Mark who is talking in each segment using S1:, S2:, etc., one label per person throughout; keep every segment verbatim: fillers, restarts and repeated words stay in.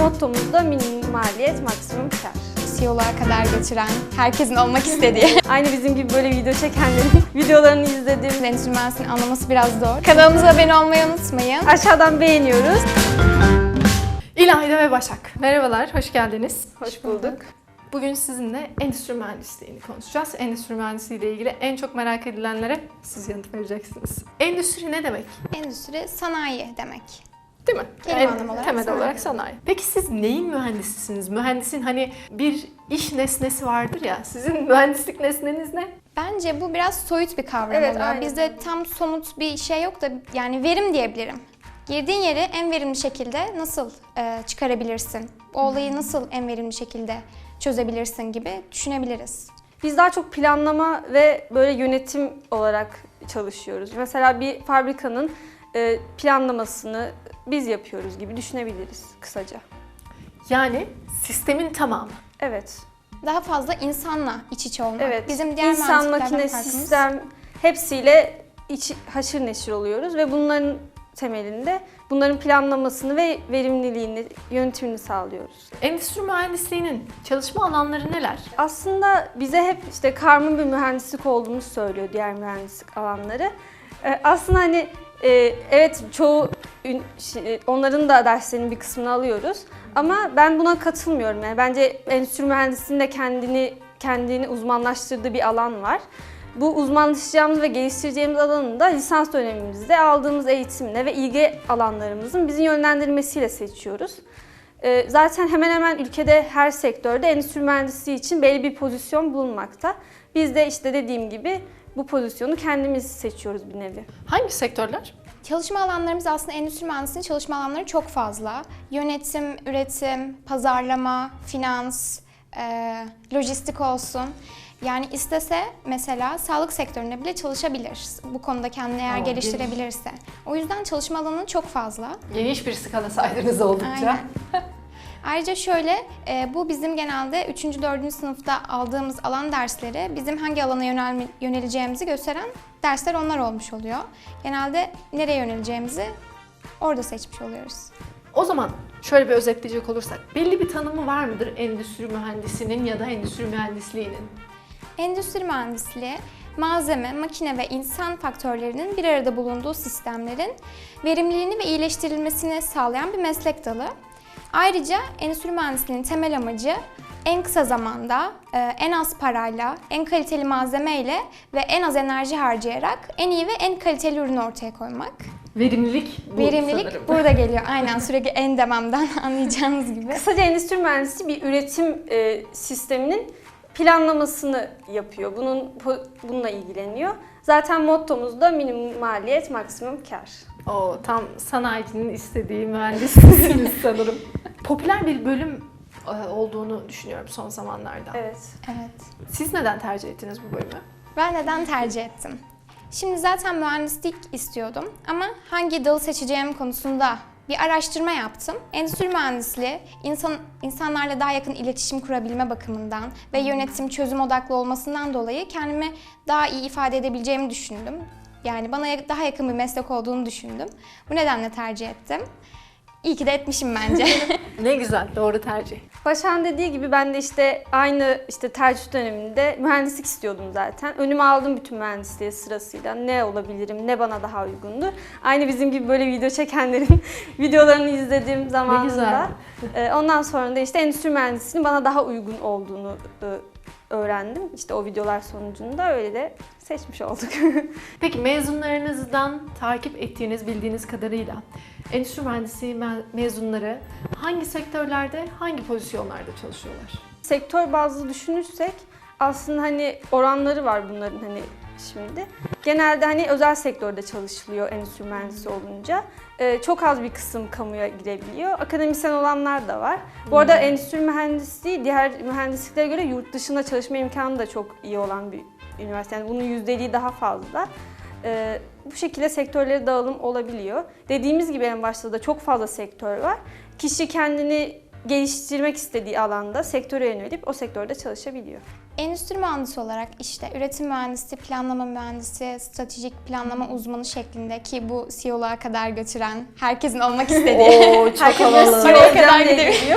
S1: mottomuz da minimum maliyet, maksimum kar.
S2: C E O'luğa kadar götüren, herkesin olmak istediği.
S1: Aynı bizim gibi böyle video çekenlerin videolarını izlediğim.
S2: Endüstri mühendisliğini anlaması biraz zor. Kanalımıza abone olmayı unutmayın.
S1: Aşağıdan beğeniyoruz.
S3: İlayda ve Başak. Merhabalar, hoş geldiniz.
S1: Hoş bulduk.
S3: Bugün sizinle endüstri mühendisliğini konuşacağız. Endüstri mühendisliği ile ilgili en çok merak edilenlere siz yanıt vereceksiniz. Endüstri ne demek?
S2: Endüstri sanayi demek.
S3: Değil mi?
S2: Kelime
S3: En
S2: anlamı olarak
S3: temel
S2: sanayi.
S3: olarak sanayi. Peki siz neyin mühendisisiniz? Mühendisin hani bir iş nesnesi vardır ya. Sizin mühendislik nesneniz ne?
S2: Bence bu biraz soyut bir kavram
S1: Evet,
S2: oluyor.
S1: aynen.
S2: Bizde tam somut bir şey yok da yani verim diyebilirim. Girdiğin yeri en verimli şekilde nasıl e, çıkarabilirsin? O olayı nasıl en verimli şekilde çözebilirsin gibi düşünebiliriz.
S1: Biz daha çok planlama ve böyle yönetim olarak çalışıyoruz. Mesela bir fabrikanın e, planlamasını biz yapıyoruz gibi düşünebiliriz kısaca.
S3: Yani sistemin tamamı.
S1: Evet.
S2: Daha fazla insanla iç içe olmak.
S1: Evet.
S2: Bizim diğer
S1: İnsan,
S2: mühendisliklerden
S1: makine,
S2: farkımız.
S1: sistem hepsiyle iç, haşır neşir oluyoruz ve bunların temelinde bunların planlamasını ve verimliliğini, yönetimini sağlıyoruz.
S3: Endüstri mühendisliğinin çalışma alanları neler?
S1: Aslında bize hep işte karma bir mühendislik olduğumuzu söylüyor diğer mühendislik alanları. Ee, aslında hani e, evet çoğu ün- şi- onların da derslerinin bir kısmını alıyoruz. Ama ben buna katılmıyorum. Yani bence endüstri mühendisliğinde kendini kendini uzmanlaştırdığı bir alan var. Bu uzmanlaşacağımız ve geliştireceğimiz alanı da lisans dönemimizde aldığımız eğitimle ve ilgi alanlarımızın bizi yönlendirmesiyle seçiyoruz. Ee, Zaten hemen hemen ülkede her sektörde endüstri mühendisliği için belli bir pozisyon bulunmakta. Biz de işte dediğim gibi bu pozisyonu kendimiz seçiyoruz bir nevi.
S3: Hangi sektörler?
S2: Çalışma alanlarımız aslında endüstri mühendisliğinin çalışma alanları çok fazla. Yönetim, üretim, pazarlama, finans, e, lojistik olsun. Yani istese mesela sağlık sektöründe bile çalışabilir. Bu konuda kendini eğer
S3: Aa,
S2: geliştirebilirse. O yüzden çalışma alanı çok fazla.
S3: Geniş bir skala saydınız oldukça.
S2: Aynen. Ayrıca şöyle, e, bu bizim genelde üçüncü dördüncü sınıfta aldığımız alan dersleri bizim hangi alana yönelme, yöneleceğimizi gösteren dersler onlar olmuş oluyor. Genelde nereye yöneleceğimizi orada seçmiş oluyoruz.
S3: O zaman şöyle bir özetleyecek olursak, belli bir tanımı var mıdır endüstri mühendisinin ya da endüstri mühendisliğinin?
S2: Endüstri mühendisliği, malzeme, makine ve insan faktörlerinin bir arada bulunduğu sistemlerin verimliliğini ve iyileştirilmesini sağlayan bir meslek dalı. Ayrıca endüstri mühendisliğinin temel amacı en kısa zamanda, en az parayla, en kaliteli malzemeyle ve en az enerji harcayarak en iyi ve en kaliteli ürünü ortaya koymak.
S3: Verimlilik bu
S2: Verimlilik
S3: sanırım.
S2: burada geliyor. Aynen, sürekli en dememden anlayacağınız gibi.
S1: Kısaca endüstri mühendisi bir üretim e, sisteminin planlamasını yapıyor. Bunun po- bununla ilgileniyor. Zaten mottomuz da minimum maliyet, maksimum kar.
S3: O tam sanayicinin istediği mühendissiniz sanırım. Popüler bir bölüm e, olduğunu düşünüyorum son zamanlarda.
S1: Evet.
S2: Evet.
S3: Siz neden tercih ettiniz bu bölümü?
S2: Ben neden tercih ettim? Şimdi zaten mühendislik istiyordum ama hangi dalı seçeceğim konusunda bir araştırma yaptım. Endüstri mühendisliği insan, insanlarla daha yakın iletişim kurabilme bakımından ve yönetim, çözüm odaklı olmasından dolayı kendimi daha iyi ifade edebileceğimi düşündüm. Yani bana daha yakın bir meslek olduğunu düşündüm. Bu nedenle tercih ettim. İyi ki de etmişim bence.
S3: Ne güzel, doğru tercih.
S1: Başak'ın dediği gibi ben de işte aynı işte tercih döneminde mühendislik istiyordum zaten. Önüme aldım bütün mühendisliği sırasıyla. Ne olabilirim, ne bana daha uygundur. Aynı bizim gibi böyle video çekenlerin videolarını izlediğim zamanında.
S3: güzel.
S1: e, Ondan sonra da işte endüstri mühendisliğinin bana daha uygun olduğunu e, öğrendim. İşte o videolar sonucunda öyle de seçmiş olduk.
S3: Peki mezunlarınızdan takip ettiğiniz, bildiğiniz kadarıyla endüstri mühendisliği me- mezunları hangi sektörlerde, hangi pozisyonlarda çalışıyorlar?
S1: Sektör bazlı düşünürsek aslında hani oranları var bunların hani şimdi. Genelde hani özel sektörde çalışılıyor endüstri mühendisi olunca. Ee, çok az bir kısım kamuya girebiliyor. Akademisyen olanlar da var. Bu arada endüstri mühendisliği diğer mühendisliklere göre yurt dışında çalışma imkanı da çok iyi olan bir üniversite. Yani bunun yüzdeliği daha fazla. Ee, bu şekilde sektörlere dağılım olabiliyor. Dediğimiz gibi en başta da çok fazla sektör var. Kişi kendini geliştirmek istediği alanda sektöre yönelip o sektörde çalışabiliyor.
S2: Endüstri mühendisi olarak işte üretim mühendisi, planlama mühendisi, stratejik planlama uzmanı şeklinde ki bu C E O'luğa kadar götüren, herkesin olmak istediği.
S3: Oo, çok
S1: Herkes
S3: havalı.
S1: C E O'ya kadar
S2: Oraya
S1: gidebiliyor.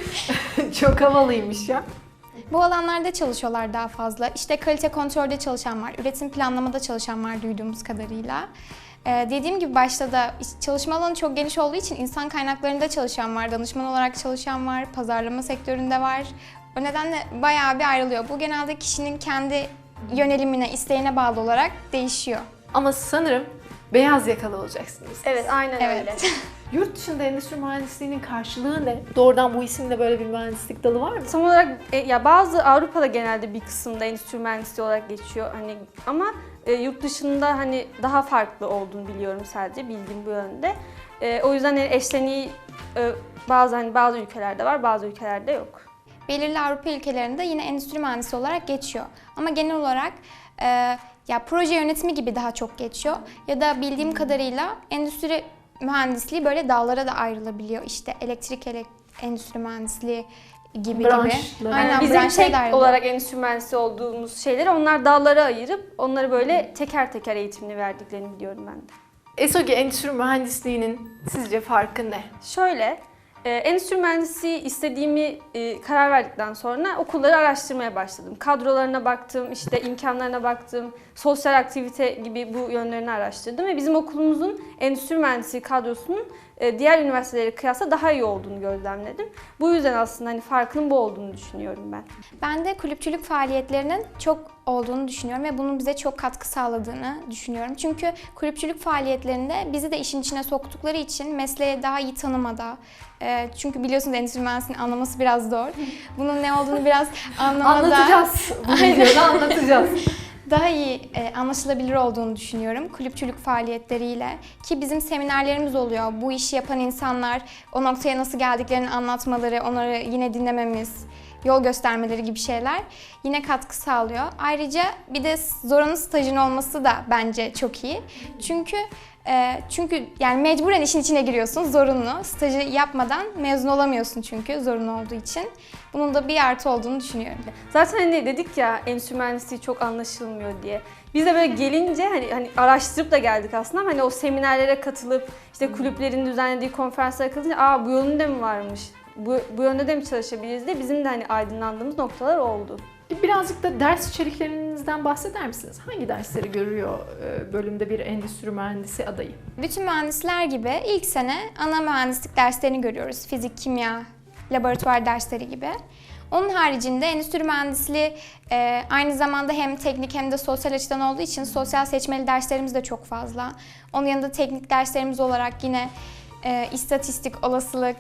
S3: Çok havalıymış ya.
S2: Bu alanlarda çalışıyorlar daha fazla. İşte kalite kontrolde çalışan var, üretim planlamada çalışan var duyduğumuz kadarıyla. Ee, dediğim gibi başta da iş- çalışma alanı çok geniş olduğu için insan kaynaklarında çalışan var, danışman olarak çalışan var, pazarlama sektöründe var. O nedenle bayağı bir ayrılıyor. Bu genelde kişinin kendi yönelimine, isteğine bağlı olarak değişiyor.
S3: Ama sanırım beyaz yakalı olacaksınız.
S1: Evet, aynen
S2: Evet.
S1: öyle.
S3: Yurt dışında endüstri mühendisliğinin karşılığı ne? Doğrudan bu isimde böyle bir mühendislik dalı var mı?
S1: Tam olarak e, ya bazı Avrupa'da genelde bir kısımda endüstri mühendisliği olarak geçiyor hani ama e, yurt dışında hani daha farklı olduğunu biliyorum sadece bildiğim bu yönde. E, o yüzden hani eşleniği e, bazı hani bazı ülkelerde var, bazı ülkelerde yok.
S2: Belirli Avrupa ülkelerinde yine endüstri mühendisi olarak geçiyor. Ama genel olarak e, ya proje yönetimi gibi daha çok geçiyor. Ya da bildiğim kadarıyla endüstri mühendisliği böyle dallara da ayrılabiliyor. İşte elektrik elek endüstri mühendisliği gibi
S3: Branşlar.
S2: gibi.
S3: Yani
S2: Aynen,
S1: Bizim
S2: branşlara
S1: tek
S2: da ayrılıyor.
S1: olarak endüstri mühendisi olduğumuz şeyleri onlar dallara ayırıp onları böyle teker teker eğitimini verdiklerini biliyorum ben de.
S3: ESOGE endüstri mühendisliğinin sizce farkı ne?
S1: Şöyle, e, endüstri mühendisliği istediğimi e, karar verdikten sonra okulları araştırmaya başladım. Kadrolarına baktım, işte imkanlarına baktım, sosyal aktivite gibi bu yönlerini araştırdım ve bizim okulumuzun endüstri mühendisliği kadrosunun e, diğer üniversitelere kıyasla daha iyi olduğunu gözlemledim. Bu yüzden aslında hani farkının bu olduğunu düşünüyorum ben.
S2: Ben de kulüpçülük faaliyetlerinin çok olduğunu düşünüyorum ve bunun bize çok katkı sağladığını düşünüyorum. Çünkü kulüpçülük faaliyetlerinde bizi de işin içine soktukları için mesleğe daha iyi tanımada, e, çünkü biliyorsunuz endüstri mühendisliğinin anlaması biraz zor. Bunun ne olduğunu biraz anlamada
S3: Anlatacağız. Bu videoda anlatacağız.
S2: daha iyi e, anlaşılabilir olduğunu düşünüyorum kulüpçülük faaliyetleriyle. Ki bizim seminerlerimiz oluyor. Bu işi yapan insanlar o noktaya nasıl geldiklerini anlatmaları, onları yine dinlememiz, yol göstermeleri gibi şeyler yine katkı sağlıyor. Ayrıca bir de zorunlu stajın olması da bence çok iyi. Çünkü e, çünkü yani mecburen işin içine giriyorsun, zorunlu. Stajı yapmadan mezun olamıyorsun çünkü zorunlu olduğu için. Bunun da bir artı olduğunu düşünüyorum.
S1: Zaten hani dedik ya endüstri mühendisliği çok anlaşılmıyor diye. Biz de böyle gelince hani, hani araştırıp da geldik aslında ama hani o seminerlere katılıp işte kulüplerin düzenlediği konferanslara katılınca aa bu yönde mi varmış, bu, bu yönde de mi çalışabiliriz diye bizim de hani aydınlandığımız noktalar oldu.
S3: Birazcık da ders içeriklerinizden bahseder misiniz? Hangi dersleri görüyor e, bölümde bir endüstri mühendisi adayı?
S2: Bütün mühendisler gibi ilk sene ana mühendislik derslerini görüyoruz. Fizik, kimya, laboratuvar dersleri gibi. Onun haricinde endüstri mühendisliği e, aynı zamanda hem teknik hem de sosyal açıdan olduğu için sosyal seçmeli derslerimiz de çok fazla. Onun yanında teknik derslerimiz olarak yine e, istatistik, olasılık,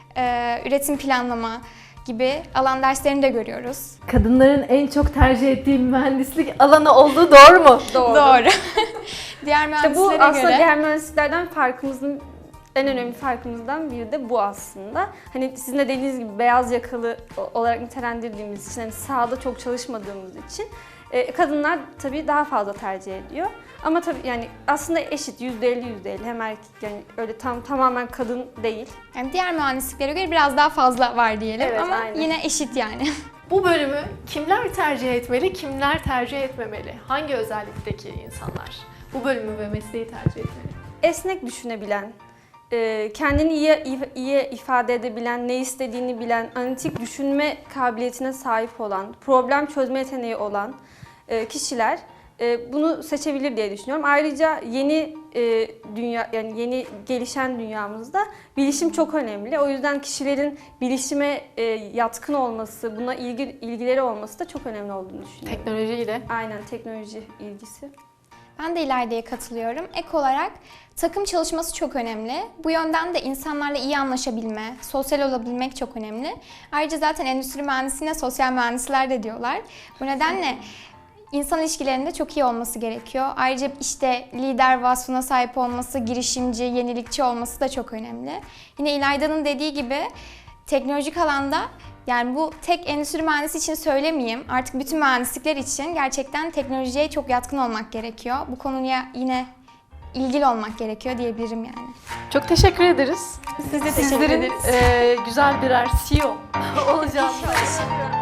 S2: e, üretim planlama gibi alan derslerini de görüyoruz.
S3: Kadınların en çok tercih ettiği mühendislik alanı olduğu doğru mu?
S1: Doğru.
S2: Doğru. Diğer
S1: İşte bu
S2: mühendislere
S1: aslında
S2: göre
S1: diğer mühendisliklerden farkımızın en önemli farkımızdan biri de bu aslında. Hani sizin de dediğiniz gibi beyaz yakalı olarak nitelendirdiğimiz için, hani sahada çok çalışmadığımız için e, kadınlar tabii daha fazla tercih ediyor. Ama tabii yani aslında eşit yüzde elli yüzde elli hem erkek yani öyle tam tamamen kadın değil.
S2: yani diğer mühendisliklere göre biraz daha fazla var diyelim
S1: Evet,
S2: ama
S1: aynen.
S2: yine eşit yani.
S3: Bu bölümü kimler tercih etmeli, kimler tercih etmemeli? Hangi özellikteki insanlar bu bölümü ve mesleği tercih etmeli?
S1: Esnek düşünebilen, e, kendini iyi, iyi ifade edebilen, ne istediğini bilen, analitik düşünme kabiliyetine sahip olan, problem çözme yeteneği olan e, kişiler e, bunu seçebilir diye düşünüyorum. Ayrıca yeni e, dünya yani yeni gelişen dünyamızda bilişim çok önemli. O yüzden kişilerin bilişime e, yatkın olması, buna ilgi ilgileri olması da çok önemli olduğunu düşünüyorum.
S3: Teknolojiyle.
S1: Aynen teknoloji ilgisi.
S2: Ben de İlayda'ya katılıyorum. Ek olarak takım çalışması çok önemli. Bu yönden de insanlarla iyi anlaşabilme, sosyal olabilmek çok önemli. Ayrıca zaten endüstri mühendisliğine sosyal mühendisler de diyorlar. Bu nedenle insan ilişkilerinde çok iyi olması gerekiyor. Ayrıca işte lider vasfına sahip olması, girişimci, yenilikçi olması da çok önemli. Yine İlayda'nın dediği gibi teknolojik alanda, yani bu tek endüstri mühendisi için söylemeyeyim, artık bütün mühendislikler için gerçekten teknolojiye çok yatkın olmak gerekiyor. Bu konuya yine ilgili olmak gerekiyor diyebilirim yani.
S3: Çok teşekkür ederiz.
S2: Siz de teşekkür
S3: Sizlerin
S2: ederiz.
S3: e, güzel birer C E O olacağını